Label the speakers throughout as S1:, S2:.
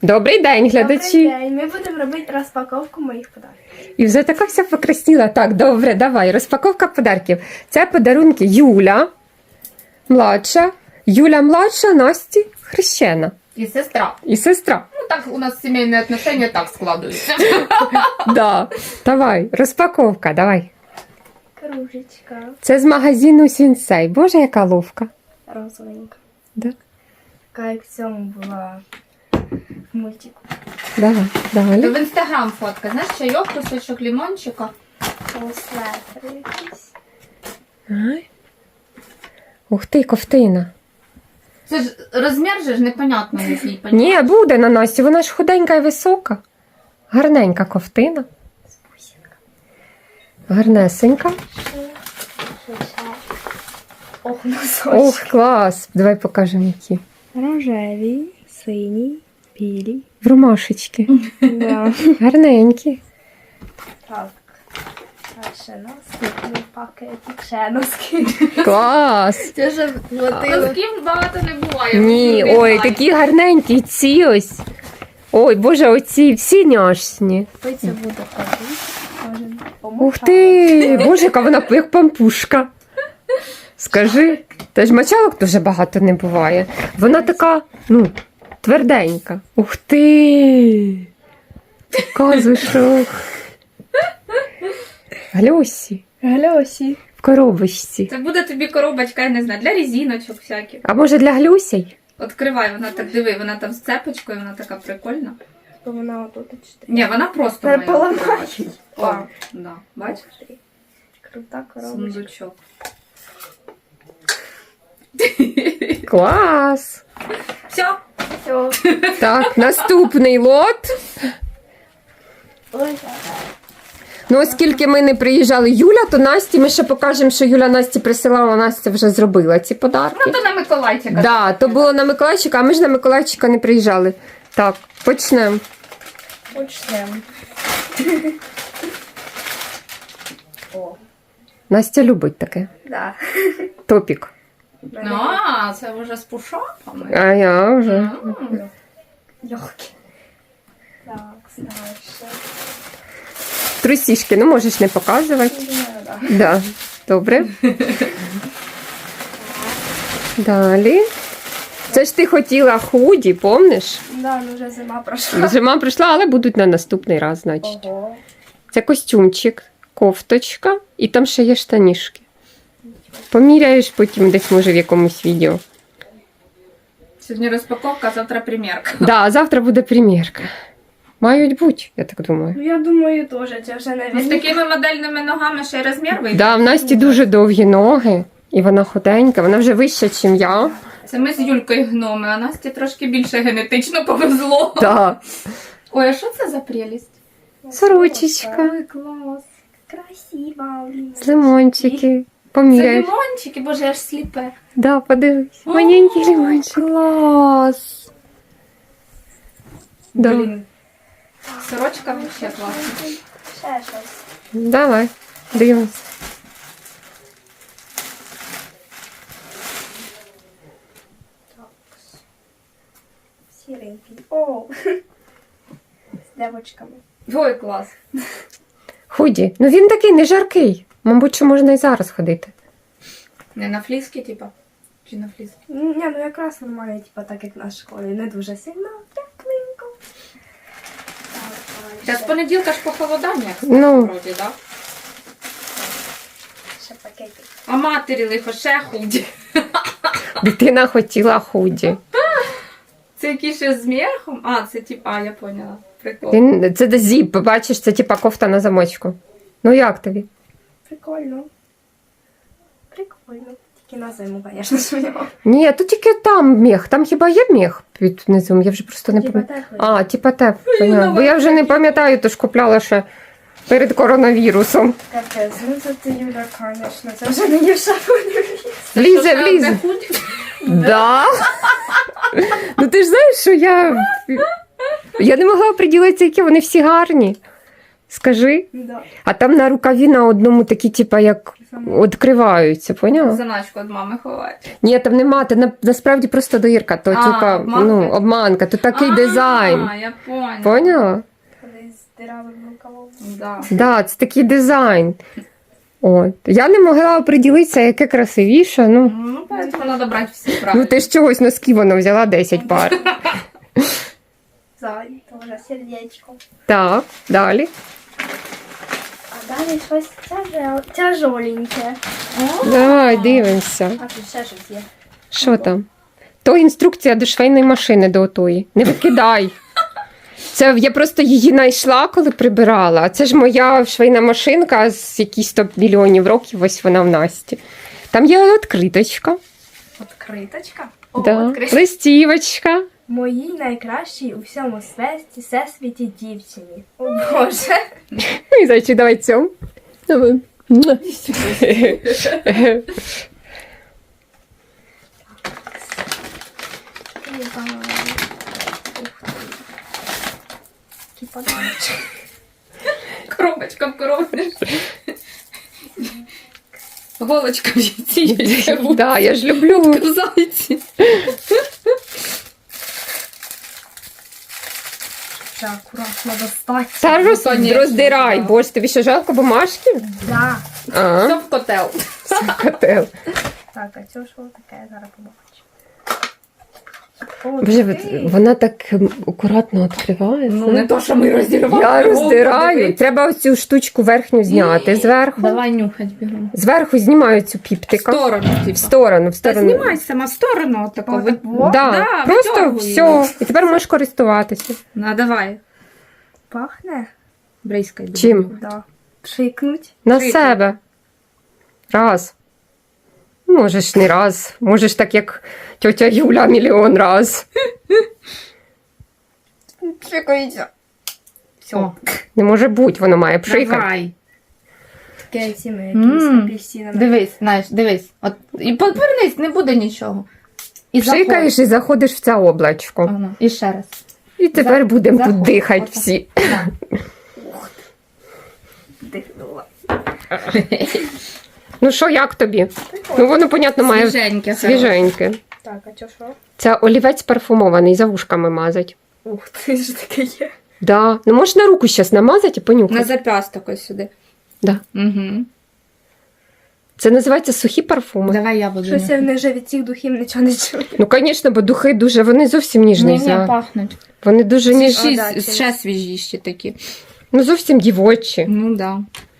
S1: Добрий день, глядачі.
S2: Добрий день. Ми будемо робити розпаковку моїх подарунків.
S1: І вже така вся покрасніла. Так, добре, давай. Розпаковка подарків. Це подарунки Юля младша. Юля младша, Насті хрещена.
S3: И сестра.
S1: І сестра.
S3: Ну, так у нас семейные отношения так складываются.
S1: Да. Давай, розпаковка, давай.
S2: Кружечка.
S1: Це з магазину Сінсей. Боже, яка ловка.
S2: Розовенька.
S1: Да.
S2: Така як в цьому була в мультику.
S1: Давай, далі.
S3: В Инстаграм фотка, знаешь, чайок, кусочек лимончика.
S2: Слетер якийсь.
S1: Ай. Ух ти, ковтина.
S3: Це ж розмір же ж непонятно який.
S1: Ні, буде на Насті, вона ж худенька і висока. Гарненька ковтина. Гарнесенька.
S2: Ох, носочки.
S1: Ох, клас. Давай покажемо які.
S2: Рожеві, сині, білі.
S1: В ромашечки.
S2: Да.
S1: Гарненькі.
S2: Так. Ще носки. Пакетик, ще носки.
S1: Клас.
S2: Це ж
S3: Носків багато не буває.
S1: Ні,
S3: Вони
S1: ой,
S3: гарні.
S1: такі гарненькі, ці ось. Ой, боже, оці всі няшні.
S2: Це буде ходити.
S1: Ух ти, боже, яка вона як пампушка. Скажи, та ж мочалок дуже багато не буває. Вона така, ну, тверденька. Ух ти. Казушок. Глюсі.
S2: Гльосі.
S1: В коробочці.
S3: Це буде тобі коробочка, я не знаю, для резиночок всяких.
S1: А може для глюсей?
S3: Відкривай, вона так, диви, вона там з цепочкою, вона така прикольна.
S2: То вона отут чотири.
S3: Ні, вона просто
S2: Тепер
S3: має
S2: поламаєш.
S3: відкриватись. О,
S2: А.
S3: да, бач?
S2: Крута коробочка.
S3: Сундучок.
S1: Клас.
S3: Все.
S2: Все.
S1: Так, наступний лот.
S2: Ой,
S1: Ну, оскільки ми не приїжджали Юля, то Насті ми ще покажемо, що Юля Насті присилала, Настя вже зробила ці подарки.
S3: Ну, то на Миколайчика.
S1: Да, то було на Миколайчика, а ми ж на Миколайчика не приїжджали. Так, почнемо.
S2: почнемо. О,
S1: Настя любить таке.
S2: да.
S1: Топік.
S3: А, це вже з пушапами.
S1: А я вже.
S3: М.
S2: Легкі. Так, дальше.
S1: Трусішки, ну можеш не показувати.
S2: Да.
S1: Да, добре. Далі. Це ж ти хотіла худі, помниш?
S2: Да, ну вже зима пройшла.
S1: Зима прийшла, але будуть на наступний раз, значить.
S2: Ого.
S1: Це костюмчик, кофточка і там ще є штанішки. Поміряєш потім десь, може, в якомусь відео.
S3: Сьогодні розпаковка, завтра примірка.
S1: Да, а завтра буде примірка. Мають бути, я так думаю.
S2: Ну я думаю теж, це вже не
S3: Ну, з такими модельними ногами ще й розмір вийде.
S1: Да, в Насті дуже довгі ноги, і вона худенька, вона вже вища, ніж я.
S3: Це ми з Юлькою гноми, а Насті трошки більше генетично повезло.
S1: Да.
S3: Ой, а що це за прелість?
S1: Сорочечка,
S3: Ой, клас.
S2: Красиво.
S1: з лимончики.
S3: Це
S1: Поміряєш.
S3: лимончики, боже, аж сліпе.
S1: Да, подивись. Маленький лимончик.
S3: Клас.
S1: Да.
S3: Блін. Сорочка вообще класна.
S2: Ще щось.
S1: Давай, дивимось.
S2: Сіренький. О! З девочками.
S3: Ой, клас.
S1: Худі. Ну він такий не жаркий. Мабуть, що можна і зараз ходити.
S3: Не на фліски, типа? Чи на фліски?
S2: Ні, ну якраз нормально, типу, так як на школі. Не дуже сильно, тепленько.
S3: Та з понеділка ж похолодання,
S1: Ну.
S3: вроді, да?
S2: Ще пакетик.
S3: А матері лихо ще худі.
S1: Дитина хотіла худі.
S3: Це якийсь ще з м'яхом? А, це типа, я поняла. Прикол.
S1: Він, це де зіп, бачиш, це типа кофта на замочку. Ну як тобі?
S2: Прикольно. Прикольно. Тільки на зиму, звісно, свого.
S1: Ні, то тільки там мех. Там хіба є мех під низом? Я вже просто не
S2: Типа
S1: пам'ятаю.
S2: теплий.
S1: А, типа те. Бо я вже не пам'ятаю, то ж купляла ще перед коронавірусом.
S2: Капець, ну це ти, Юля, звісно, це вже не є шапони.
S1: Влізе, влізе. Да. Ну ти ж знаєш, що я не могла приділитися, які вони всі гарні. Скажи.
S2: Да.
S1: А там на рукаві на одному такі, типа, як відкриваються, поняла?
S3: Заначку від мами ховають.
S1: Ні, там нема, це насправді просто дирка, то типа,
S3: обманка?
S1: ну, обманка, то такий дизайн.
S3: А, я поняла.
S1: Поняла?
S2: Коли з диравим рукавом.
S3: Да.
S1: Да, це такий дизайн. От. Я не могла оприділитися, яке красивіше. Ну,
S3: Ну, поэтому треба брати всі правильно.
S1: ну ти ж чогось носки воно взяла 10 пар.
S2: Зай, теж сердечко.
S1: Так, далі.
S2: А далі щось тяжоленьке.
S1: Давай, дивимося.
S2: А тут ще щось є.
S1: Що там? То інструкція до швейної машини до отої. Не викидай. Це я просто її знайшла, коли прибирала. А це ж моя швейна машинка з якісь 100 мільйонів років, ось вона в Насті. Там є відкриточка,
S2: Откриточка.
S1: да. Листівочка.
S2: Моїй найкращій у всьому всесвіті дівчині. О Боже.
S1: І зайчик, давай цьому. Давай.
S2: Який подарунок.
S3: Коробочка в коробочці. Голочка в яйці.
S1: Да, я ж люблю.
S3: В зайці.
S2: Ще акуратно достати.
S1: Та
S3: конечно,
S1: роздирай,
S3: да.
S1: боже, тобі що жалко бумажки?
S2: Да.
S1: А,
S3: Все в котел.
S1: це котел.
S2: Так, а цього що таке, я зараз побачу.
S1: Боже, вона так акуратно відкриває.
S3: Ну, не то, що ми роздірвали.
S1: Я роздираю. Треба оцю штучку верхню зняти зверху.
S3: Давай нюхать бігом.
S1: Зверху знімаю цю
S3: В
S1: піптика.
S3: сторону,
S1: В
S3: типа.
S1: сторону, в
S3: Та
S1: сторону.
S3: знімай сама в сторону отако.
S2: Отак, во?
S1: Да,
S3: Да,
S1: просто
S3: витягуй
S1: все. І тепер можеш користуватися.
S3: На, давай.
S2: Пахне?
S3: Брейскай.
S1: Чим?
S2: Да. Пшикнуть.
S1: На
S3: Шийку.
S1: себе. Раз. Можеш не раз. Можеш так, як тьотя Юля, мільйон раз.
S2: Пшикається. Все.
S3: О,
S1: Не може бути, воно має пшикати.
S3: давай.
S2: Таке цими якимись апельсинами.
S3: Дивись, знаєш, дивись. От, і повернись, не буде нічого. І
S1: Пшикаєш і заходиш в це облачко.
S3: Ага, і ще раз.
S1: І тепер будемо тут
S3: заходь.
S1: дихати
S3: Отак.
S1: всі.
S2: Дихнула.
S1: Ну що, як тобі? Ну воно, понятно, має
S3: Свіженьке.
S1: свіженьке.
S2: Так, а чо що?
S1: Це олівець парфумований, за вушками мазать.
S2: Ух ти, ж таке є.
S1: Да. Ну можеш на руку зараз намазати і понюхати.
S3: На зап'ясток ось сюди.
S1: Да.
S3: Угу.
S1: Це називається сухі парфуми.
S3: Давай я буду.
S2: Щось я вже від цих духів нічого не чую.
S1: Ну, звісно, бо духи дуже, вони зовсім ніжний
S3: Ні,
S1: запах.
S3: пахнуть.
S1: Вони дуже ніжні.
S2: да,
S3: Ще свіжіші такі.
S1: Ну, зовсім дівочі.
S3: Ну, да.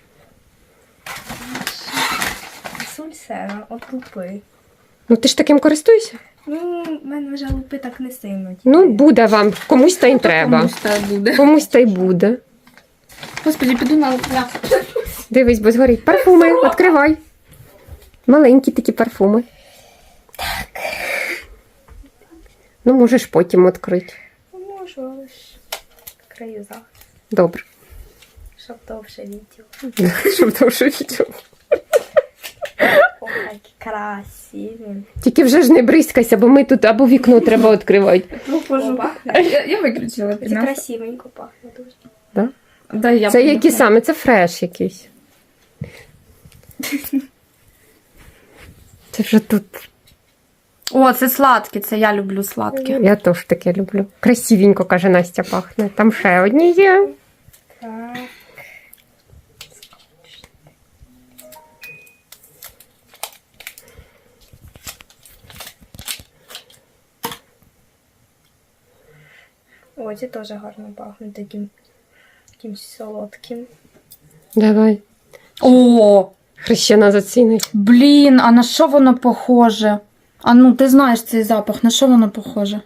S2: Сульсера, от лупи.
S1: Ну, ти ж таким користуєшся?
S2: Ну, в мене вже лупи так не сильно.
S1: Ну, буде вам. Комусь та й треба.
S3: Комусь та буде.
S1: Комусь та й буде.
S3: Господи, піду на пляж.
S1: Дивись, бо згорить. Парфуми, відкривай. Маленькі такі парфуми. Так. Ну, можеш потім відкрити.
S2: Можу, але ж краю захист,
S1: Добре.
S2: щоб довше відділ.
S1: Щоб довше відео.
S2: Ох, які красиві.
S1: Тільки вже ж не бризкайся, бо ми тут або вікно треба відкривати.
S2: Ну, пахне.
S3: Я виключила.
S2: Це красивенько пахне дуже.
S1: Да?
S3: Да, я
S1: Це
S3: буду.
S1: які саме? Це фреш якийсь. Це вже тут.
S3: О, це сладкі, це я люблю сладкі.
S1: Я теж таке люблю. Красивенько, каже Настя, пахне. Там ще одні є.
S2: Так. О, ці теж гарно пахнуть таким якимсь солодким.
S1: Давай.
S3: О,
S1: Хрещена зацінить.
S3: блін, а на що воно похоже? А ну, ти знаєш цей запах, на що воно похоже?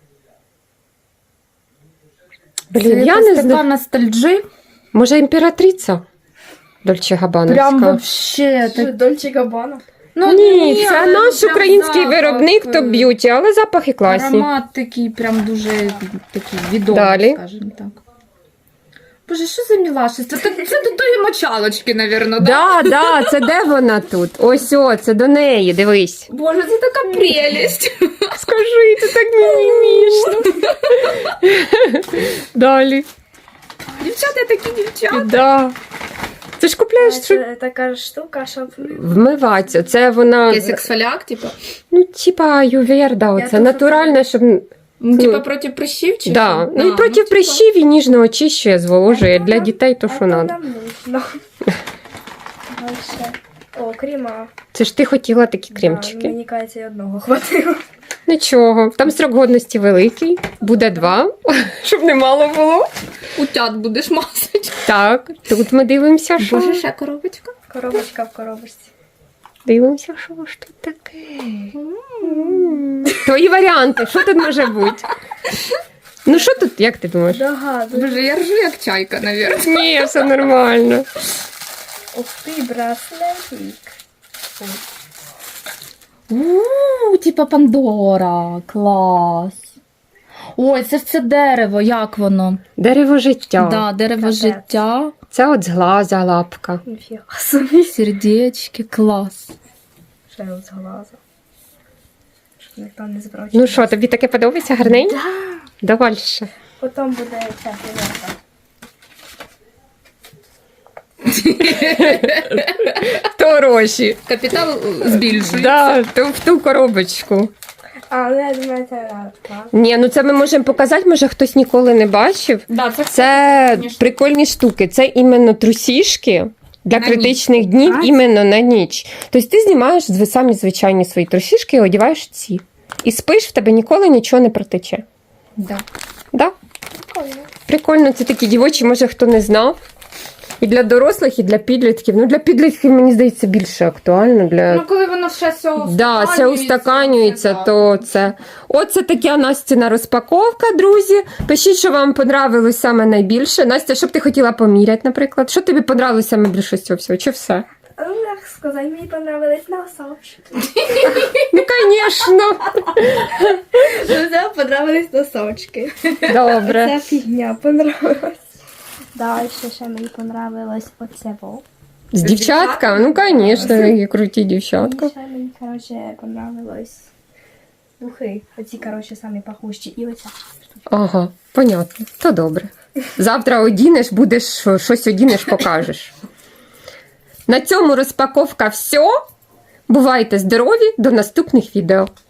S1: Блін,
S3: Це
S1: я
S3: якась
S1: не
S3: така
S1: знаю.
S3: ностальджі.
S1: Може, імператриця? Дольче Габановська.
S3: Прям вообще. Так...
S2: Дольче Габбана?
S3: Ну,
S1: Ні, це
S3: але
S1: наш
S3: прям
S1: український
S3: запах,
S1: виробник Топ Б'юті, але запахи класні.
S3: Аромат такий, прям дуже такий відомий,
S1: Далі.
S3: скажімо так. Боже, що за мілашество? Це до тої мочалочки, навірно,
S1: Да, да, це де вона тут? Ось, о, це до неї, дивись.
S3: Боже, це така прелість.
S1: Скажи, це так мімімішно. Далі.
S3: Дівчата такі дівчата.
S1: Да. Це ж купляєш, щоб
S2: Це така штука, щоб...
S1: вмиватися. Це вона,
S3: Є ексфоліак, типа?
S1: ну, типа ювєр,
S2: Я
S1: це
S2: тут
S1: натуральне, щоб...
S3: Ну, типа проти прищів чи
S1: Да.
S3: що?
S1: Ну і проти
S3: типа.
S1: прищів і ніжно очищує, зволожує. Для дітей то, що
S2: Це
S1: треба.
S2: нам нужно. Дальше. О, крема.
S1: Це ж ти хотіла такі
S2: Да,
S1: кремчики.
S2: мені кажеться, і одного хватило.
S1: Нічого. Там строк годності великий, буде 2, щоб не мало було.
S3: Утят будеш мазати.
S1: Так, тут ми дивимося, що.
S3: Боже, ще коробочка.
S2: Коробочка в коробочці.
S1: Дивимося, що ж тут таке. Твої варіанти, що тут може бути? Ну що тут, як ти думаєш?
S2: Догадую.
S3: Боже, я ржу як чайка, навірно.
S1: Ні, все нормально.
S2: Ух ти, браслетик.
S3: Типа Пандора. Клас. Ой, це ж це дерево, як воно?
S1: Дерево життя.
S3: Да, дерево
S2: Капець.
S3: життя,
S1: Це от зглаза лапка.
S2: Ніфіга собі.
S3: сердечки, клас.
S2: Ще от з глазу. Щоб ніхто не збрав.
S1: Ну що, тобі таке подобається гарненько? Дальше.
S2: Потім буде ця фігурка.
S1: То гроші.
S3: Капітал збільшується.
S1: Да, то в ту коробочку.
S2: А, ну я думаю, це радка.
S1: Ні, ну це ми можемо показати, може хтось ніколи не бачив.
S3: Да,
S1: Це
S3: Конечно.
S1: прикольні штуки. Це іменно трусішки для
S3: На
S1: критичних днів, іменно на ніч. Тобто ти знімаєш самі звичайні свої трусішки і одягаєш ці. І спиш, в тебе ніколи нічого не протече.
S3: Да.
S1: Да?
S2: Прикольно.
S1: Прикольно, це такі дівочі, може хто не знав. І для дорослих, і для підлітків. Ну, для підлітків, мені здається, більше актуально. Для...
S3: Ну, коли воно ще все
S1: Да, це устаканюється, то це. Оце така Настіна розпаковка, друзі. Пишіть, що вам понравилось саме найбільше. Настя, що б ти хотіла поміряти, наприклад? Що тобі понравилось саме більше з цього всього? Чи все?
S2: Ну, як сказати, мені понравились носочки.
S1: Ну, звісно.
S2: Ну, це понравились носочки.
S1: Добре.
S2: Ця фігня понравилась. Далі ще мені понравилось оце во.
S1: З дівчатками? Ну, звісно, які круті дівчатка.
S2: Ще мені, коротше, понравилось духи. Оці, коротше, самі пахущі. І оця.
S1: Ага, понятно. То добре. Завтра одінеш, будеш щось одінеш, покажеш. На цьому розпаковка все. Бувайте здорові, до наступних відео.